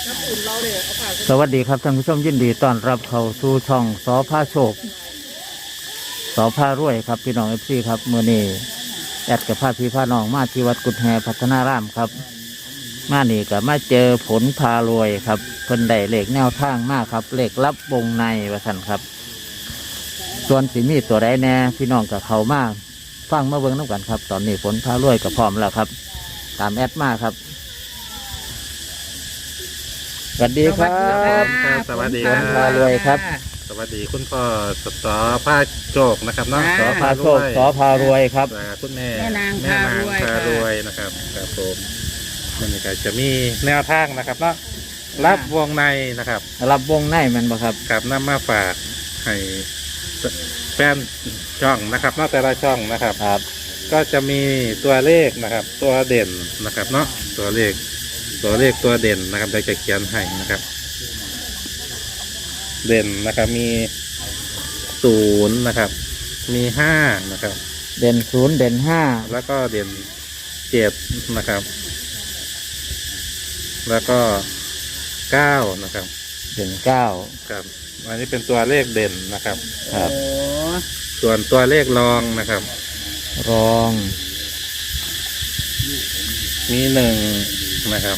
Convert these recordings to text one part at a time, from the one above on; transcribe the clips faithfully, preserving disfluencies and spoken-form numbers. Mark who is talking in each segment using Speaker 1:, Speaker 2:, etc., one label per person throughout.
Speaker 1: สวัสดีครับท่านผู้ชมยินดีต้อนรับเข้าสู่ช่องสอพาโชคสอพารวยครับพี่น้องเอฟซีครับเมื่อนี้แอดกับพาพี่พาน้องมาที่วัดกุฎแฮพัฒนารามครับมานี่ก็มาเจอผลพารวยครับเพิ่นได้เลขแนวทางมากครับเลขลับวงในว่าซั่นครับส่วนสิมีตัวใดแน่พี่น้องกับเขามากฟังมาเบิ่งน้ำกันครับตอนนี้ผลพารวยก็พร้อมแล้วครับตามแอดมาครับสวัสดีครับ
Speaker 2: สวัสดี
Speaker 1: ผ
Speaker 2: ค
Speaker 1: ล
Speaker 2: รับ
Speaker 1: พารวยครับ
Speaker 2: สวัสดีคุณพ่อสสผ้าโจกนะครับเนาะ
Speaker 1: สอพาโชคสอพารวยครับ
Speaker 2: อ่าคุณแม่
Speaker 3: แม่นาง
Speaker 2: แม่นาง
Speaker 3: พารวย
Speaker 2: พารวยนะครับครับผมมันก็จะมีแนวทางนะครับเนาะรับวงในนะครับ
Speaker 1: รับวงในมันบ่ครับ
Speaker 2: กับนำมาฝากให้แฟนช่องนะครับเนาะแต่ละช่องนะครับ
Speaker 1: ครับ
Speaker 2: ก็จะมีตัวเลขนะครับ ตัวเด่นนะครับเนาะตัวเลขตัวเลขตัวเด่นนะครับได้จะเขียนให้นะครับ เด่นนะครับมีศูนย์นะครับ มีห้านะครับ
Speaker 1: เด่นศูนย์เด่นห้า
Speaker 2: แล้วก็เด่นเจ็ดนะครับ แล้วก็เก้านะครับ
Speaker 1: เด่นเก้า
Speaker 2: ครับอันนี้เป็นตัวเลขเด่นนะครับ
Speaker 1: ครับ
Speaker 3: โอ้
Speaker 2: ส่วนตัวเลขรองนะครับ
Speaker 1: รอง
Speaker 2: มีหนึ่งนะครับ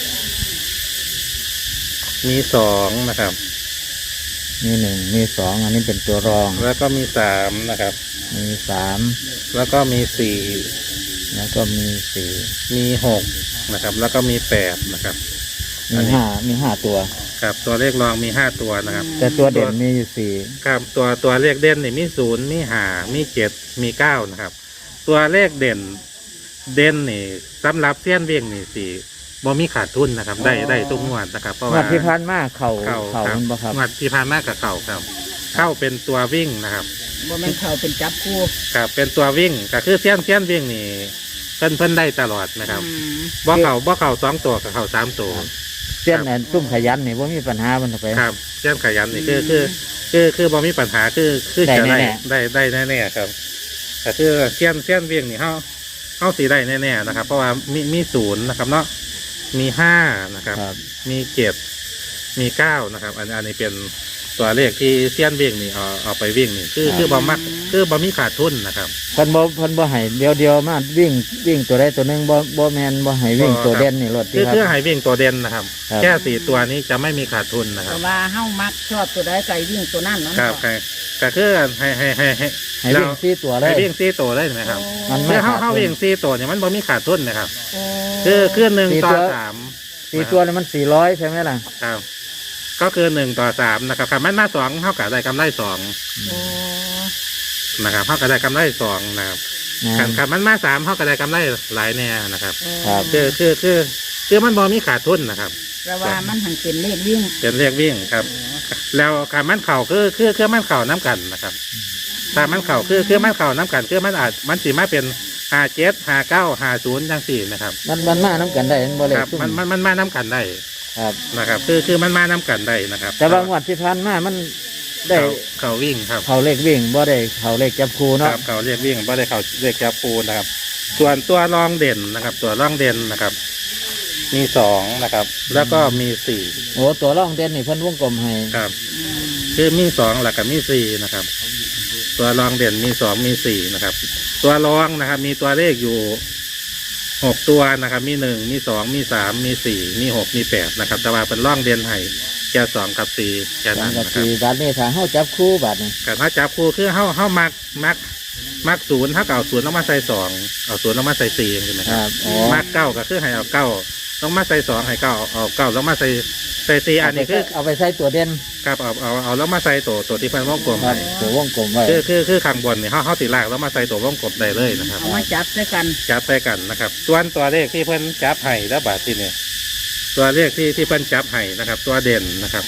Speaker 2: มีสองนะครับ
Speaker 1: มีหนึ่งมีสองอันนี้เป็นตัวรอง
Speaker 2: แล้วก็มีสามนะครับ
Speaker 1: มีสาม
Speaker 2: แล้วก็มีสี่
Speaker 1: แล้วก็มีสี่
Speaker 2: มีหกนะครับ แล้วก็มีแปดนะครับ
Speaker 1: มีห้ามีห้าตัว
Speaker 2: ครับตัวเลขรองมีห้าตัวนะครับ
Speaker 1: แต่ตัวเด่นมีอยู่สี่
Speaker 2: ครับตัวตัวเลขเด่นนี่มีศูนย์มีห้ามีเจ็ดมีเก้านะครับ ตัวเลขเด่นเด่นนี่สำหรับเสี้ยนเวียงนี่สี่บ่มีขาดทุนนะครับ ได้ได้ทุกงวดนะครับ เพราะ
Speaker 1: งว
Speaker 2: ว่า
Speaker 1: ดที่ผ่านมาเข่า
Speaker 2: เข่า
Speaker 1: เข่า
Speaker 2: ครับ
Speaker 1: มันบ่ครับ
Speaker 2: งวดที่ผ่านมากับเข่าครับ เข้าเป็นตัววิ่งนะครับ
Speaker 3: บ่แม่นเขาเป็นจับคู่
Speaker 2: ครับเป็นตัววิ่งก็คือเสี้ยนเสี้ยนวิ่งนี่เพิ่นเพิ่นได้ตลอดนะครับ
Speaker 3: อืม
Speaker 2: บ่เข่าบ่เข่าสองตัวกับเข่าสามตัว
Speaker 1: เส้นแอนซุ่มขยันนี่ว่ามีปัญหามันเอาไป
Speaker 2: ครับเสี้ยนขยันนี่คือคือคือคือบ่มีปัญหาคือคือจะ
Speaker 1: ได้
Speaker 2: ได้
Speaker 1: แน่
Speaker 2: ได้ได้แน่ๆครับแต่คือเสี้ยนเสี้ยนวิ่งนี่เฮาเฮาสีได้แน่ๆนะครับ เพราะว่ามีมีศูนย์นะครับเนาะมีห้านะครับ
Speaker 1: ครับ
Speaker 2: มีเจ็ดมีเก้านะครับ อันอันนี้เป็นตัวเลขที่เสี้ยนวิ่งนี่เอาเอาไปวิ่งนี่คือคือบ่มักคือบ่มีขาดทุนนะครับ
Speaker 1: เพิ่นบ่เพิ่นบ่ให้เดียวเดียวมาวิ่งวิ่งตัวใดตัวหนึงบ่บ่แม่นบ่ให้วิ่งตัวเด่นนี่รถ
Speaker 2: คือ
Speaker 1: ที่ค
Speaker 2: คือ
Speaker 1: รับ
Speaker 2: ให้วิ่งตัวเด่นนะครับ
Speaker 1: ครับ
Speaker 2: แค่สี่ตัวนี้จะไม่มีขาดทุนนะค
Speaker 3: แต่
Speaker 2: รับ
Speaker 3: ว่าเฮามักชอบตัวใดไก่วิ่งตัวนั้นเนาะ
Speaker 2: ครับครับก็คือให้ให้ให้ให้
Speaker 1: ให้วิ่งสี่ตัวเลย
Speaker 2: ให้วิ่งสี่ตัวเลยไหมครับ
Speaker 1: มันไม่
Speaker 2: คือเข้า
Speaker 1: ขาดทุน
Speaker 2: เข้าวิ่งสี่ตัวเนี่ยมันบ่มีขาดทุนนะครับ
Speaker 3: โอ้
Speaker 2: คือคือหนึ่ง
Speaker 1: สี่
Speaker 2: ต่อ
Speaker 1: ตัว
Speaker 2: สาม
Speaker 1: สี่ตัวนี่มันสี่ร้อยใช่ไหมล่ะ
Speaker 2: ครับ ก็คือหนึ่งต่อสามนะครับครับมันมาสองเท่ากับได้กำไรสอง
Speaker 3: โอ้
Speaker 2: นะครับเท่ากับได้กำไรสองนะครับ
Speaker 1: นะครับ
Speaker 2: ครับมันมาสามเท่ากับได้กำไรหลายแน่นะครับ
Speaker 1: ครับ
Speaker 2: คือคือคือคือมันบ่มีขาดทุนนะครับ
Speaker 3: แต่ว่ามันหันเป็นเลขวิ่ง
Speaker 2: เป็นเรียกวิ่งครับ แล้วการมันเข่าคือคือคือมันเข่าน้ำกันนะครับถ้ามันเข่าคือคือมันเข่าน้ำกันคือมันอาจมันสีมาเป็นห้าเจ็ดห้าเก้าห้าศูนย์จังสี่นะครับ
Speaker 1: มันมันมาน้ำกันได้มันบ่เลย
Speaker 2: ครับ
Speaker 1: ซุ่ม
Speaker 2: มันมันมันมาน้ำกันได้
Speaker 1: ครับ
Speaker 2: นะครับ คือคือมันมาน้ำกันได้นะครับ
Speaker 1: แต่บางวันที่ผ่านมามันได้
Speaker 2: เข่าเข่าวิ่งครับ
Speaker 1: เขาเลขวิ่งบ่ได้เขาเลขจับคู
Speaker 2: ค
Speaker 1: เนาะ
Speaker 2: รับเข่าเรียกวิ่งไม่ได้เข่าเรียกจับปูนะครับ ส่วนตัวรองเด่นนะครับ ตัวรองเด่นนะครับ มีสองนะครับ แล้วก็มีสี่
Speaker 1: โอ้ตัวร่องเด่นนี่เพิ่นวงกลมให้
Speaker 2: ครับ คือมีสองหลักกับมีสี่นะครับ ตัวรองเด่นมีสองมีสี่นะครับ ตัวรองนะครับ มีตัวเลขอยู่หกตัวนะครับ มีหนึ่งมีสองมีสามมีสี่มีหกมีแปดนะครับ แต่ว่าเป็นร่องเด่นให้แค่สองกับสี่แค่
Speaker 1: สอ
Speaker 2: นั้
Speaker 1: ง
Speaker 2: น
Speaker 1: กับ
Speaker 2: นะครับ
Speaker 1: สี่บาทนี่ถ้าเฮาจับคู่บาทนี่
Speaker 2: แต่ถ้าจับคู่คือเฮาเฮามักมักมักศูนย์ถ้าเก่าศูนย์ต้องมาใส่สองเอาศูนย์ต้องมาใส่สี่ใช่ไหม
Speaker 1: ค
Speaker 2: ครั
Speaker 1: รั
Speaker 2: บบ
Speaker 1: อ๋อ
Speaker 2: มักเก้าก็คือให้เอาเก้าต้องมาใส่สองให้เก้าเอาเก้าต้องมาใส่ใส่สี่อันนี้คือ
Speaker 1: เอาไปใส่ตัวเด่น
Speaker 2: ครับเอาเอาเอาแล้วมาใส่ตัวตัวที่เป็นวงกลม
Speaker 1: ครับ
Speaker 2: ให้
Speaker 1: ตัววงกลมไว้
Speaker 2: คือคือคือข้างบนเนี่ยเขาเขาติลากแล้วมาใส่ตัววงกลมได้เลยนะครับ
Speaker 3: เอามาจับด้วยกัน
Speaker 2: จับใส่กันนะครับ ส่วนตัวเลขที่เพิ่นจับให้แล้วบาทที่เนี่ยตัวเลขที่ที่เพิ่นจับให้นะครับ ตัวเด่นนะครับ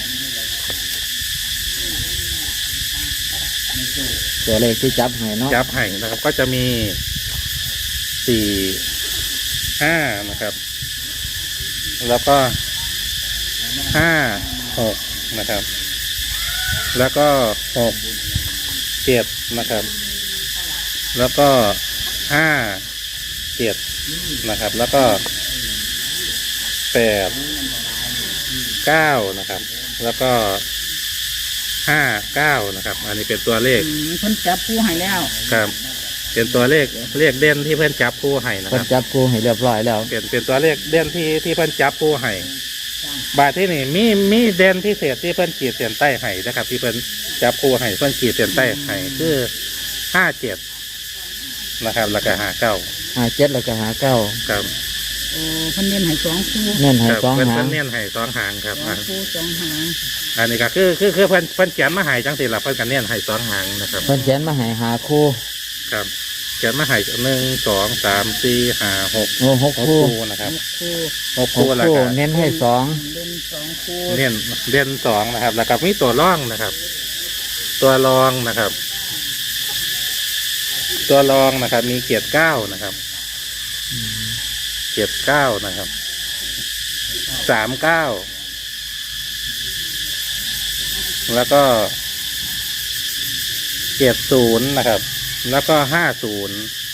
Speaker 1: ตัวเลขที่จับให้เนาะ
Speaker 2: จับให้นะครับ ก็จะมีสี่ห้านะครับ แล้วก็ห้าหกนะครับ แล้วก็หกเจ็ดนะครับ แล้วก็ห้าเจ็ดนะครับ แล้วก็แปดเก้านะครับ แล้วก็ห้าเก้านะครับ อันนี้เป็นตัวเลข
Speaker 3: อืมเพิ่นจับคู่ให้แล้ว
Speaker 2: ครับ เป็นตัวเลขเลขเด่นที่เพื่อนจับคู่ให้นะ
Speaker 1: เพิ่
Speaker 2: คน รับ
Speaker 1: จับคู่ให้เรียบร้อยแล้ว
Speaker 2: เป็นเป็นตัวเลขเด่นที่ที่เพื่อนจับคู่ให้บาทที่นี่มีมีเด่นพิเศษที่เพื่อนขีดเส้นใต้ให้นะครับ ที่เพื่อนจับคู่ให้เพื่อนขีดเส้นใต้ให้คือห้าเจ็ดนะครับ แล้วก็ห้าเก้า
Speaker 1: หาเจ็ดแล้วก็หาเก้า
Speaker 2: ครับ
Speaker 3: โอ้เพิ่นเน้นให้สองคู่
Speaker 1: เน้นให้
Speaker 2: ครับ
Speaker 1: สอง
Speaker 2: เพื่อน
Speaker 1: หา
Speaker 2: เพื่
Speaker 1: ง
Speaker 2: อนเน้นให้สองหางครับ
Speaker 3: สองคู่สองหาง
Speaker 2: อันนี้ก็คือคือคือเพื่อนเพื่อนเขียนมาให้จังสิละเพื่อนกันเน้นให้สองหางนะครับ
Speaker 1: เพิ่นเขียนมาให้หาคู่
Speaker 2: ครับเขียนมาให้หนึ่งสองสามสี่ห้าหก
Speaker 1: โอ้หก
Speaker 2: หก
Speaker 1: คู่
Speaker 2: คู่นะครับ
Speaker 3: หกคู่
Speaker 2: หก
Speaker 1: ห
Speaker 2: คู่
Speaker 1: ก
Speaker 2: แล้ว
Speaker 1: คู่
Speaker 2: ก็
Speaker 1: เน้นให้สอง
Speaker 3: เล่นสองคู่
Speaker 2: เน้นเด่นสองนะครับ แล้วก็มีตัวร่องนะครับ ตัวรองนะครับ ตัวรองนะครับ มีเกียรติเก้านะครับ เกียรติเก้านะครับสามเก้าแล้วก็เกียรติศูนย์นะครับ แล้วก็ห้าศูนย์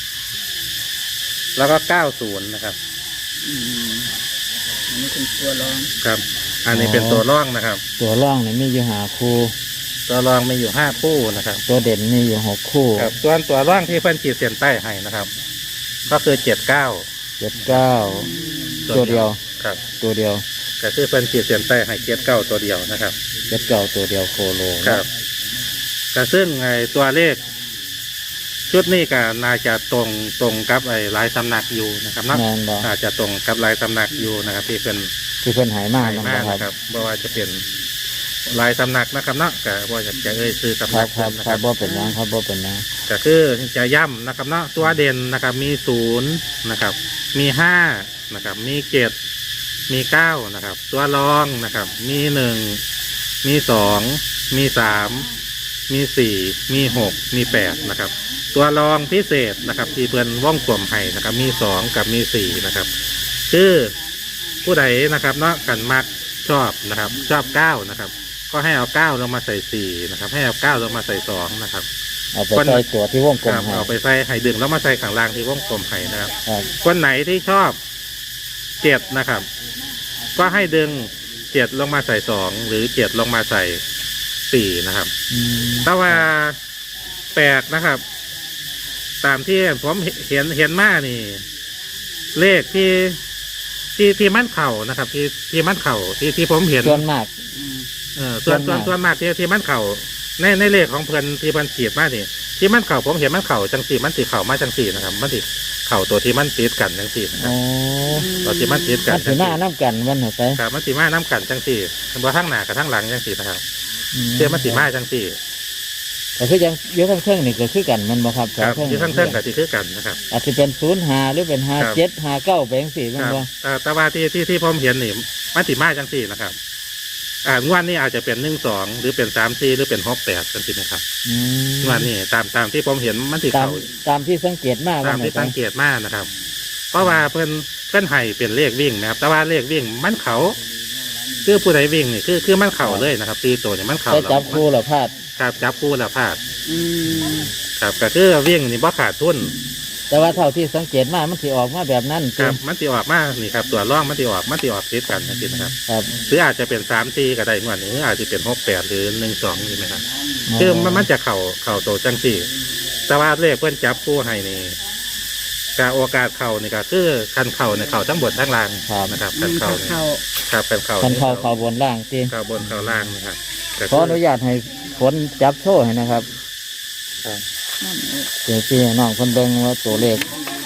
Speaker 2: แล้วก็เก้าศูนย์นะครับ
Speaker 3: อืมอันนี้เป็นตัวรอง
Speaker 2: ครับ อันนี้เป็นตัวร่องนะครับ
Speaker 1: ตัวร่องนี่มีอยู่หาคู่
Speaker 2: ตัวรองมีอยู่ห้าคู่นะครับ
Speaker 1: ตัวเด่นมีอยู่หกคู่
Speaker 2: ครับส่วนตัวร่องที่เพิ่นขีดเส้นใต้ให้นะครับ ก็คือเจ็ดเก้า
Speaker 1: เจ็ดเก้าตัวเดียว
Speaker 2: ครับ
Speaker 1: ตัวเดียว
Speaker 2: ก็คือเพิ่นขีดเส้นใต้ให้เจ็ดเก้าตัวเดียวนะครับ
Speaker 1: เจ็ดเก้าตัวเดียวโคโล
Speaker 2: ครับก็ซึ่งไอ้ตัวเลข ชุดนี้ก็น่าจะตรงตรงกับไอ้หลายสำนักอยู่นะครับเนาะ
Speaker 1: แมนบอ
Speaker 2: อาจจะตรงกับหลายสำนักอยู่นะครับ ที่เป็น
Speaker 1: ที่เพิ่นหายมาก
Speaker 2: ให้
Speaker 1: นะ
Speaker 2: มาก
Speaker 1: ครั
Speaker 2: นะ
Speaker 1: บ
Speaker 2: ครับเพราะว่าจะเป็นหลายสำนักนะครับเนาะก็ว่าอยากจะเอ่ยซื้อ
Speaker 1: ค
Speaker 2: สำ
Speaker 1: รั
Speaker 2: นั
Speaker 1: บ
Speaker 2: ก
Speaker 1: ครับ
Speaker 2: นะ
Speaker 1: ค
Speaker 2: ค
Speaker 1: รั
Speaker 2: รั
Speaker 1: บบ บ่เป็นหยังครับบ่เป็นหยัง
Speaker 2: ก็คือจะย้ำนะครับเนาะตัวเด่นนะครับ มีศูนย์นะครับ มีห้านะครับ มีเจ็ดมีเก้านะครับ ตัวรองนะครับ มีหนึ่งมีสองมีสามมีสี่มีหกมีแปดนะครับ ตัวรองพิเศษนะครับ ที่เพื่อนว่องกลมให้นะครับ มีสองกับมีสี่นะครับคือผู้ใดนะครับเนาะกันมักชอบนะครับ ชอบเก้านะครับ ก็ให้เอาเก้าลงมาใส่สี่นะครับ ให้เอาเก้าลงมาใส่สองนะครับ
Speaker 1: เอาไปใส่ตัวที่วงกลม
Speaker 2: ครับ
Speaker 1: ให้
Speaker 2: เอาไปใส่ไห่ดึงแล้วมาใส่ข้างล่างที่วงกลมไห่นะครับ
Speaker 1: ครับ
Speaker 2: คนไหนที่ชอบเจ็ดนะครับ ก็ให้ดึงเจ็ดลงมาใส่สองหรือเจ็ดลงมาใส่สี่นะครับ
Speaker 1: อืม
Speaker 2: แต่ว่าแปลกนะครับ ตามที่ผมเห็นเห็นมานี่ เลขที่ที่ที่มันเข่านะครับ ที่ที่มันเข่าที่ที่ผมเห็น
Speaker 1: ส่วนมาก
Speaker 3: อืม
Speaker 2: เออส่วน
Speaker 1: ส่
Speaker 2: ส่
Speaker 1: ว
Speaker 2: วน น
Speaker 1: มาก
Speaker 2: ส่วนมากที่ที่มันเข่าในในเลขของเพิ่นที่เพิ่นขีดมานี่ที่มันเข่าผมเห็นมันเข่าจังสี่มันสีเข่ามาจังสี่นะครับ มันสีเข่าตัวที่มันติดกันจังสี่นะครั
Speaker 1: โอ้
Speaker 2: บตัวที่มันติดกั
Speaker 1: มัน น
Speaker 2: จั
Speaker 1: สิ
Speaker 2: ง
Speaker 1: มา
Speaker 2: สี่
Speaker 1: น้ำกันวันเหรอไป
Speaker 2: ครับมันสีมาน้ำกันจังสี่บ่ทั้งหน้ากับทั้งหลังจังสี่นะครับ
Speaker 1: อื
Speaker 2: เชื่อมันสีมาจังสี่
Speaker 1: ก็คือยังเยอะทั้งเครื่องนี่ก็คือกันแมันบ่ครับ
Speaker 2: ครับ
Speaker 1: สอง
Speaker 2: ที่ทั้งเท่งกับที่คือกันนะครับ
Speaker 1: อาจจะเป็นศูนย์หาหรือเป็นหา
Speaker 2: ครับ
Speaker 1: เจ็ดหาเก้าแบงสี่
Speaker 2: ค
Speaker 1: มัน
Speaker 2: รับ
Speaker 1: บ่
Speaker 2: แต่แต่ว่าที่ที่ที่ผมเห็นนี่มันสีมาจังสี่นะครับ อ่างวดนี้อาจจะเป็นหนึ่งสองหรือเป็นสามสี่หรือเป็นหกแปดกันสินะครับ
Speaker 1: อืม
Speaker 2: งวดนี้ตามตามที่ผมเห็นมันสี
Speaker 1: ตาม
Speaker 2: เข่า
Speaker 1: ตามที่สังเกตมาก
Speaker 2: ตามที่สังเกตมากนะครับ เพราะว่าเพิ่นเพิ่นให้เป็นเลขวิ่งนะครับ แต่ว่าเลขวิ่งมันเขาคือผู้ใดวิ่งนี่คือคือมันเข่าเลยนะครับ ตีตัวเนี่ยมันเข่า
Speaker 1: ไปจับคู่แล้วพลาด
Speaker 2: ครับจับคู่แล้วพลาด
Speaker 3: อืม
Speaker 2: ครับก็คือวิ่งนี่บ่ขาดทุน
Speaker 1: แต่ว่าเท่าที่สังเกตมามันสิออกมาแบบนั้น
Speaker 2: ครับมันติออกมานี่ครับตัวร่องมันติออกมันติออกติดกันนะครับ
Speaker 1: ครับ
Speaker 2: หรืออาจจะเป็นสามตีก็ได้งวดนี้หรืออาจจะเป็นหกแปดหรือหนึ่งสองนี่นะครับคือมันมันจะเข่าเข่าโตจังสี่แต่ว่าเลขเพิ่นจับคู่ให้นี่การโอกาสเข่านี่ก็คือคันเข่าเนี่ยเข่าทั้งบนทั้งล่างนะครับ
Speaker 3: อื
Speaker 2: คัน
Speaker 3: ม
Speaker 2: เข่า
Speaker 3: ถ้า
Speaker 2: นี่
Speaker 3: เข้า
Speaker 2: ครับเป็นเข่า
Speaker 1: คันเข้าเข้าบนล่างตี
Speaker 2: เข่าบนเข่าล่างนะครับก็
Speaker 1: ขออนุญาตให้ฝนจับโชว์ให้นะครับ
Speaker 2: ครับ
Speaker 3: นั่นเอง
Speaker 1: เดี๋ยวพี่น้องคนเบิ่งว่าตัวเลข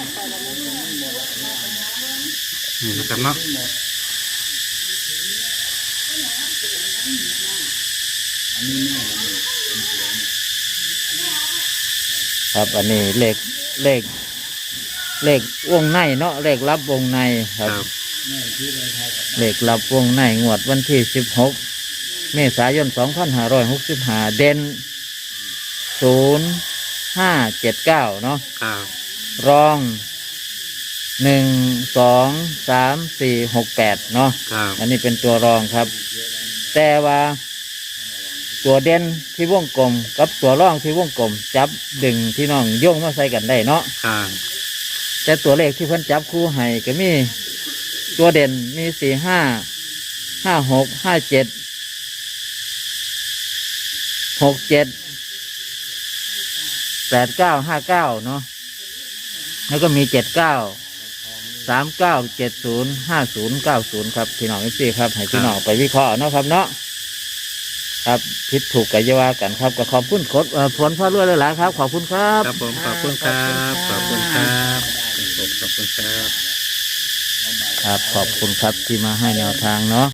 Speaker 2: นี่นะครับเนาะ
Speaker 1: ครับ อันนี้เลขเลขเลขวงในเนาะเลขลับวงในค
Speaker 2: ครับ รับ
Speaker 1: เลขลับวงในงวดวันที่สิบหกเมษายนสองพันห้าร้อยหกสิบห้าเด่นศูนย์ห้าเจ็ดเก้าเนาะ
Speaker 2: ครับ
Speaker 1: รองหนึ่งสองสามสี่หกแปดเนาะ
Speaker 2: ครับ
Speaker 1: อันนี้เป็นตัวรองครับ แต่ว่าตัวเด่นที่วงกลมกับตัวรองที่วงกลม จับดึงที่น้องโย่งมาใส่กันได้เนาะ
Speaker 2: ครับ
Speaker 1: แต่ตัวเลขที่เพิ่นจับคู่ให้ก็มีตัวเด่นมีสี่ห้าห้าหกห้าเจ็ดหกเจ็ดแปดเก้าห้าเก้าเนาะแล้วก็มีเจ็ดเก้าสามเก้าเจ็ดศูนย์ห้าศูนย์เก้าศูนย์ครับพี่น้องเอฟซีครับให้พี่น้องไปวิเคราะห์เนาะครับเนาะครับผิดถูกกันอยาว่ากันครับก็ขอบคุณโคดเอ่อผลพ่อรวยหลายๆครับขอบคุณครับ
Speaker 2: ครับผมขอบคุณครับขอบคุณครับขอบคุณครับ
Speaker 1: ครับขอบคุณครับที่มาให้แนวทางเนาะ